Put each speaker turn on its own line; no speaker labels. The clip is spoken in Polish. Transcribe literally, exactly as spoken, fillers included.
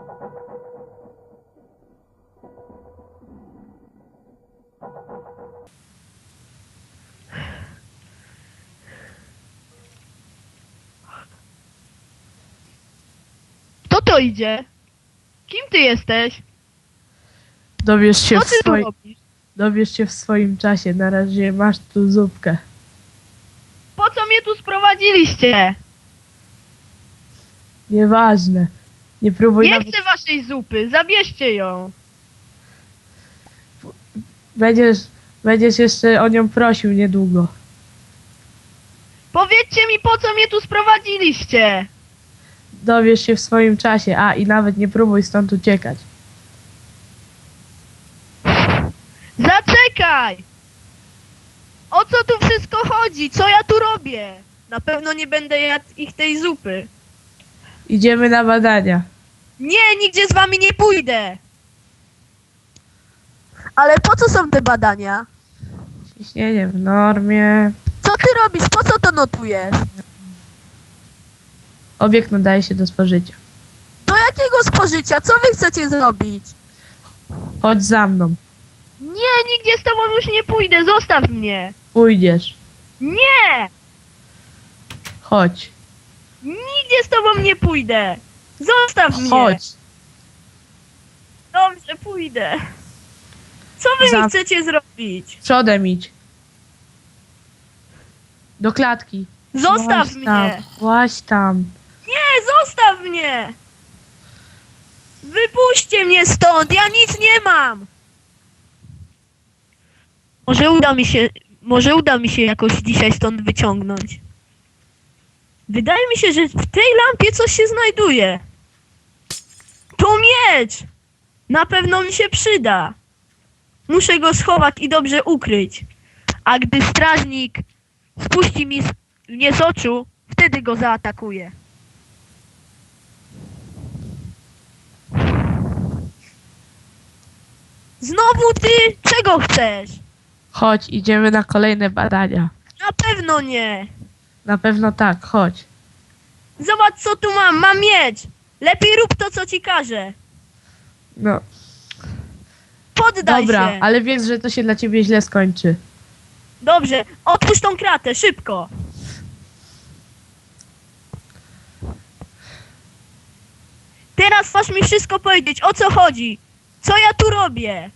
Kto to idzie? Kim ty jesteś?
Dowiesz się,
Co
w
ty tu
swoi...
robisz?
Dowiesz się w swoim czasie. Na razie masz tu zupkę.
Po co mnie tu sprowadziliście?
Nieważne. Nie próbuj
Nie
nawet...
chcę waszej zupy, zabierzcie ją.
Będziesz... Będziesz jeszcze o nią prosił niedługo.
Powiedzcie mi, po co mnie tu sprowadziliście?
Dowiesz się w swoim czasie. A, i nawet nie próbuj stąd uciekać.
Zaczekaj! O co tu wszystko chodzi? Co ja tu robię? Na pewno nie będę jadł ich tej zupy.
Idziemy na badania.
Nie, nigdzie z wami nie pójdę. Ale po co są te badania?
Ciśnienie w normie.
Co ty robisz? Po co to notujesz?
Obiekt nadaje się do spożycia.
Do jakiego spożycia? Co wy chcecie zrobić?
Chodź za mną.
Nie, nigdzie z tobą już nie pójdę, zostaw mnie.
Pójdziesz.
Nie!
Chodź.
Nigdzie z tobą nie pójdę. Zostaw mnie.
Chodź.
Dobrze, pójdę. Co wy
Za-
mi chcecie zrobić?
Przodem idź. Do klatki.
Zostaw
Łaź
mnie.
tam. Łaź tam.
Nie, zostaw mnie. Wypuśćcie mnie stąd, ja nic nie mam. Może uda mi się, może uda mi się jakoś dzisiaj stąd wyciągnąć. Wydaje mi się, że w tej lampie coś się znajduje. To miecz! Na pewno mi się przyda. Muszę go schować i dobrze ukryć. A gdy strażnik spuści mi z, mnie z oczu, wtedy go zaatakuję. Znowu ty? Czego chcesz?
Chodź, idziemy na kolejne badania.
Na pewno nie.
Na pewno tak, chodź.
Zobacz co tu mam, mam miecz. Lepiej rób to co ci każę.
No,
Poddaj
dobra,
się.
ale wiesz, że to się dla ciebie źle skończy.
Dobrze, otwórz tą kratę, szybko. Teraz masz mi wszystko powiedzieć, o co chodzi. Co ja tu robię?